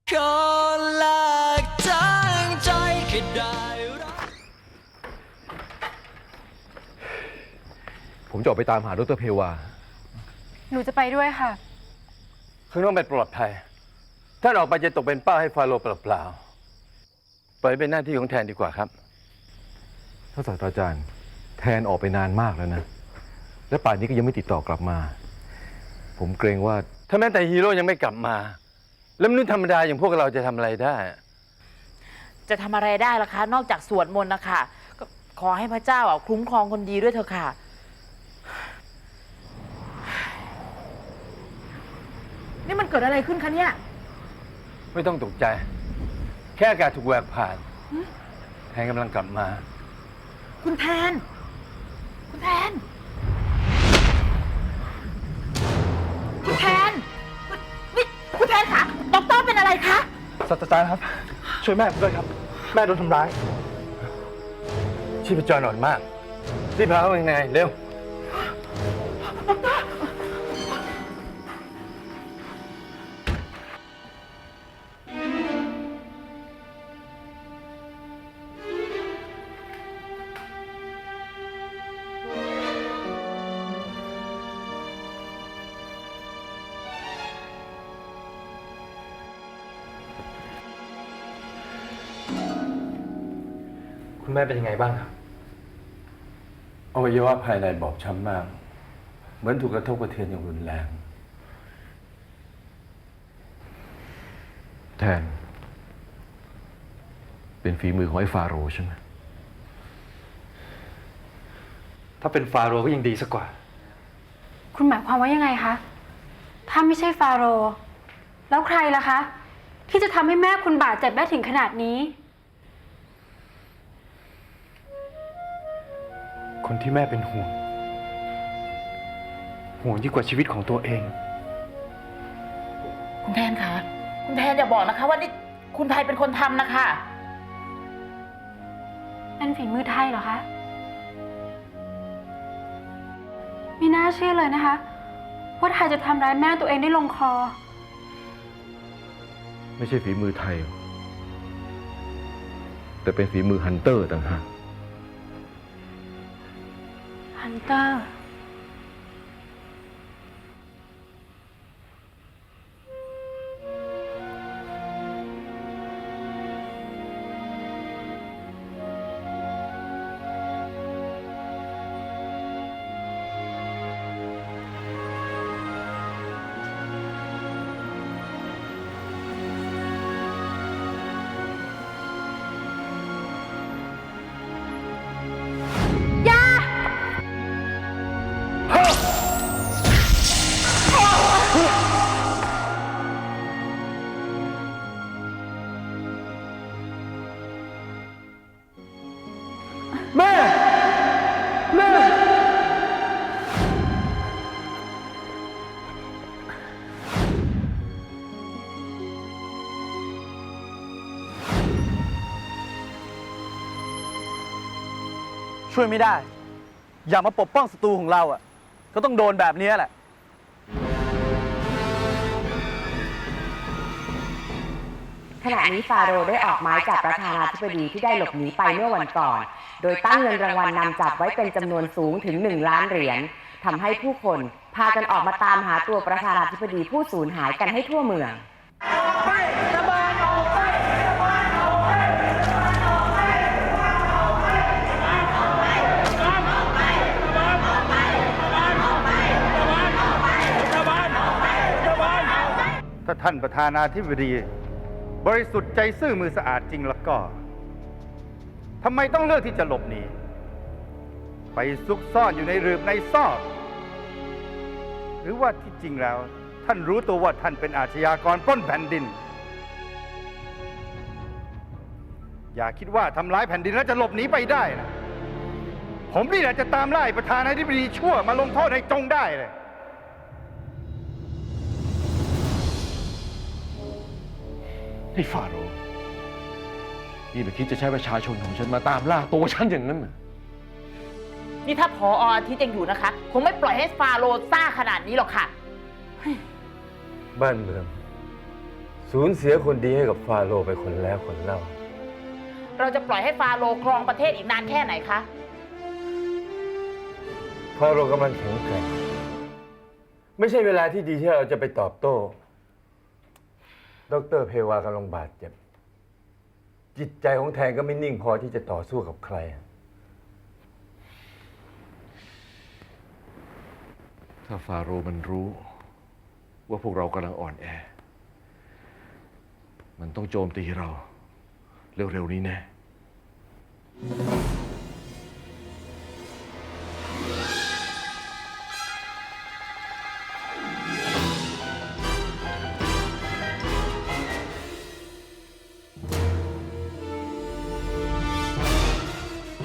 ขอแลกทั้งใจแค่ได้รักผมจะออกไปตามหาดร.เพวาหนูจะไปด้วยค่ะข้างนอกไม่ปลอดภัยท่านออกไปจะตกเป็นเป้าให้ฟาโรห์เปล่าๆปล่อยเป็นหน้าที่ของแทนดีกว่าครับท่านศาสตราจารย์แทนออกไปนานมากแล้วนะและป่านนี้ก็ยังไม่ติดต่อกลับมาผมเกรงว่าถ้าแม้แต่ฮีโร่ยังไม่กลับมาแล้วมนุษย์ธรรมดาอย่างพวกเราจะทำอะไรได้จะทำอะไรได้ล่ะคะนอกจากสวดมนต์นะคะก็ขอให้พระเจ้าคุ้มครองคนดีด้วยเถอะค่ะนี่มันเกิดอะไรขึ้นคะเนี่ยไม่ต้องตกใจ แค่อากาศถูกแหวกผ่านแทนกำลังกลับมาคุณแทนคุณแทนคุณแทนนี่คุณแทนคะด็อกเตอร์เป็นอะไรคะศาสตราจารย์ครับช่วยแม่ผมด้วยครับแม่โดนทำร้ายชีพจรอ่อนมากรีบพาเขาไปยังไงเร็วคุณแม่เป็นยังไงบ้างครับอวัยวะภายในบอบช้ำมากเหมือนถูกกระทบกระเทือนอย่างรุนแรงแทนเป็นฝีมือของไอ้ฟาโรห์ใช่ไหมถ้าเป็นฟาโรห์ก็ยังดีสักกว่าคุณหมายความว่ายังไงคะถ้าไม่ใช่ฟาโรห์แล้วใครล่ะคะที่จะทำให้แม่คุณบาดเจ็บได้ถึงขนาดนี้คนที่แม่เป็นห่วงยิ่งกว่าชีวิตของตัวเองคุณแทนคะคุณแทนอย่าบอกนะคะว่านี่คุณไทยเป็นคนทำนะคะนั่นฝีมือไทยเหรอคะไม่น่าเชื่อเลยนะคะว่าไทยจะทำร้ายแม่ตัวเองได้ลงคอไม่ใช่ฝีมือไทยแต่เป็นฝีมือฮันเตอร์ต่างหากฮันเตอร์ช่วยไม่ได้อย่ามาปกป้องศัตรูของเราก็ต้องโดนแบบนี้แหละขณะนี้ฟาโรห์ได้ออกหมายจับประธานาธิบดีที่ได้หลบหนีไปเมื่อวันก่อน โดยตั้งเงินรางวัลนำจับไว้เป็นจำนวนสูงถึง1 ล้านเหรียญทำให้ผู้คนพากันออกมาตามหาตัวประธานาธิบดีผู้สูญหายกันให้ทั่วเมืองถ้าท่านประธานาธิบดีบริสุทธิ์ใจซื่อมือสะอาดจริงแล้วก็ทำไมต้องเลือกที่จะหลบหนีไปซุกซ่อนอยู่ในหลืบในซอกหรือว่าที่จริงแล้วท่านรู้ตัวว่าท่านเป็นอาชญากรปล้นแผ่นดินอย่าคิดว่าทำร้ายแผ่นดินแล้วจะหลบหนีไปได้นะผมนี่แหละจะตามไล่ประธานาธิบดีชั่วมาลงโทษให้จงได้เลยไอ้ฟาโรห์นี่ไม่คิดจะใช้ประชาชนของฉันมาตามล่าตัวฉันอย่างนั้นเหรอนี่ถ้าผอ.อาทิตย์ยังอยู่นะคะคงไม่ปล่อยให้ฟาโรห์ซ่าขนาดนี้หรอกค่ะบ้านเมืองสูญเสียคนดีให้กับฟาโรห์ไปคนแล้วคนเล่าเราจะปล่อยให้ฟาโรห์ครองประเทศอีกนานแค่ไหนคะฟาโรห์กำลังแข็งแกร่ง ไม่ใช่เวลาที่ดีที่เราจะไปตอบโต้ ดร.เพวากำลังบาดเจ็บ จิตใจของแทนก็ไม่นิ่งพอที่จะต่อสู้กับใครถ้าฟาโรห์มันรู้ว่าพวกเรากำลังอ่อนแอ มันต้องโจมตีเรา เร็วๆนี้แน่